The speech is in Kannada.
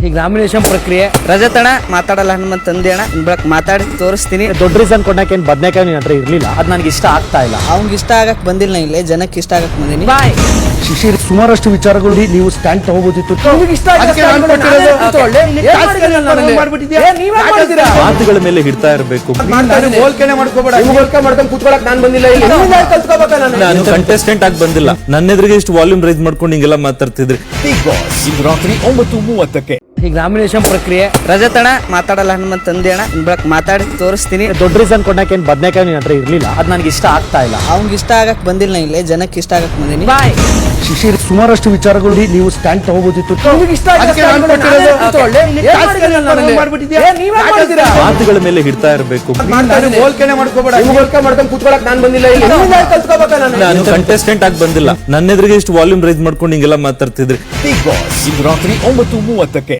ಈಗ ನಾಮಿನೇಷನ್ ಪ್ರಕ್ರಿಯೆ ರಜತಣ ಮಾತಾಡಲ್ಲ ಹನುಮಂತ ತಂದೆ ಅಣ್ಣ ಬೆಳಕ್ ಮಾತಾಡಿ ತೋರಿಸ್ತೀನಿ. ದೊಡ್ಡ ರೀಸನ್ ಕೊಡಕ್ಕೆ ಏನ್ ಬದನೆಕಾಯಿ ನಿನ್ನ ಹತ್ರ ಇರ್ಲಿಲ್ಲ, ಅದು ನನಗೆ ಇಷ್ಟ ಆಗ್ತಾ ಇಲ್ಲ. ಅವ್ನಿಗೆ ಇಷ್ಟ ಆಗಕ್ ಬಂದಿಲ್ಲ, ನಾ ಇಲ್ಲೇ ಜನಕ್ಕೆ ಇಷ್ಟ ಆಗಕ್ ಬಂದೀನಿ. ಬಾಯ್ ಶಿಶಿರ್, ಸುಮಾರಷ್ಟು ವಿಚಾರಗಳು ನೀವು ಸ್ಟ್ಯಾಂಡ್ ತಗೋಬೋದಿತ್ತು. ಮಾತುಗಳ ಮೇಲೆ ಹಿಡ್ತಾ ಇರಬೇಕು. ನಾನು ಕಂಟೆಸ್ಟೆಂಟ್ ಆಗಿ ಬಂದಿಲ್ಲ, ನನ್ನ ಎದುರಿಗೆ ಇಷ್ಟು ವಾಲ್ಯೂಮ್ ರೈಸ್ ಮಾಡ್ಕೊಂಡು ಹಿಂಗೆಲ್ಲ ಮಾತಾಡ್ತಿದ್ರಿ. ಇಂದು ರಾತ್ರಿ 9:30ಕ್ಕೆ ಈಗ ನಾಮಿನೇಷನ್ ಪ್ರಕ್ರಿಯೆ ರಜತಣ ಮಾತಾಡಲ್ಲ ಹನುಮಂತ ತಂದೆ ಅಣ್ಣ ಬೆಳಕ್ ಮಾತಾಡಿ ತೋರಿಸ್ತೀನಿ. ದೊಡ್ಡ ರೀಸನ್ ಕೊಡಕ್ಕೆ ಏನ್ ಬದನೆಕಾಯಿ ನಿನ್ನ ಹತ್ರ ಇರ್ಲಿಲ್ಲ, ಅದು ನನಗೆ ಇಷ್ಟ ಆಗ್ತಾ ಇಲ್ಲ. ಅವ್ನಿಗೆ ಇಷ್ಟ ಆಗಕ್ ಬಂದಿಲ್ಲ, ನಾ ಇಲ್ಲೇ ಜನಕ್ಕೆ ಇಷ್ಟ ಆಗಕ್ ಬಂದೀನಿ. ಬಾಯ್ ಶಿಶಿರ್, ಸುಮಾರಷ್ಟು ವಿಚಾರಗಳು ನೀವು ಸ್ಟ್ಯಾಂಡ್ ತಗೋಬೋದಿತ್ತು. ಮಾತುಗಳ ಮೇಲೆ ಹಿಡ್ತಾ ಇರಬೇಕು. ನಾನು ಕಂಟೆಸ್ಟೆಂಟ್ ಆಗಿ ಬಂದಿಲ್ಲ, ನನ್ನ ಎದುರಿಗೆ ಇಷ್ಟು ವಾಲ್ಯೂಮ್ ರೈಸ್ ಮಾಡ್ಕೊಂಡು ಹಿಂಗೆಲ್ಲ ಮಾತಾಡ್ತಿದ್ರಿ. ಇಂದು ರಾತ್ರಿ 9:30ಕ್ಕೆ